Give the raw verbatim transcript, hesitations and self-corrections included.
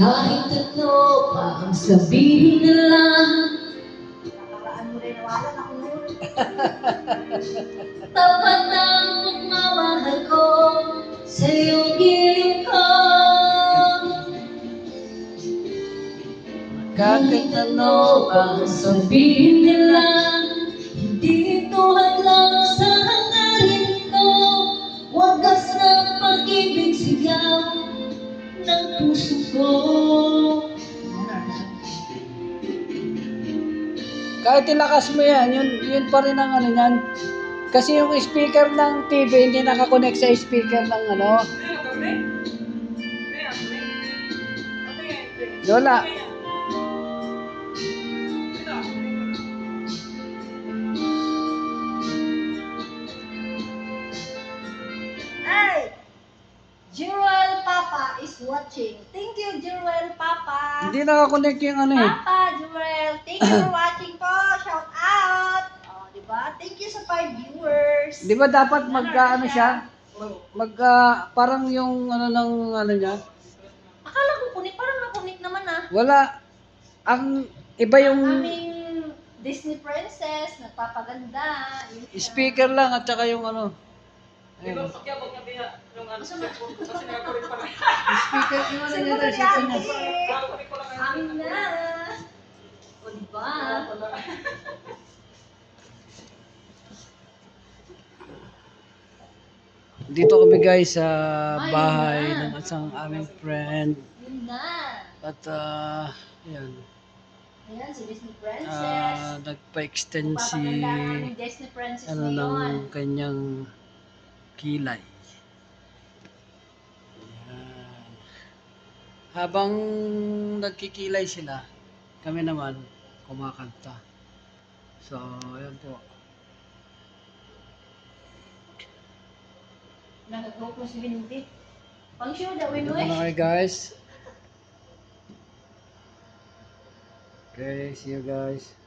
Kahit ano pa ang sabihin nila, Nakaraan mo rin nawala na kung yun. tapat ang pagmamahal ko sa iyong gilid ko. Kahit ano ang sabihin nila, hindi ito hadlang sa hangarin ko. Wagas ng pag-ibig sigaw ng puso ko. Kahit ilakas mo yan, yun, yun pa rin ang ano yan. Kasi yung speaker ng T V hindi nakakonect sa speaker ng ano. Lola. Hey! Jewel Papa is watching. Thank you, Jewel Papa. Hindi nakakonect yung ano eh. Papa, Jewel, thank you for watching po. Shout out. Oh, di ba? Thank you sa five viewers. Di ba dapat mag uh, ano siya? Mag uh, parang yung ano ng ano niya? Akala ko kunik, parang nakunik naman ah. Wala. Ang iba yung Aming Disney princess, nagpapaganda. Yun siya. speaker lang at saka yung ano. Diba, pakyabag niya biya yung ano sa cellphone ko kasi nakakulit pa na. Speaker yung ano niya, Siguro yung ni speaker niya. Ate. Nakakulit ko lang ngayon. Amin na. O diba? Dito kami guys sa bahay ng isang aming friend. Yun na. At uh, yan. Ayan, si Disney princess. Uh, nagpa-extend si Papaganda ang aming Disney princess ano ngayon. ng kanyang kilay. Yan. Habang nagkikilay sila, kami naman kumakanta. So, ayan po. Nag-hope mo si Binti. Pang sure daw, Ito Winoy. na kayo guys. Okay, see you guys.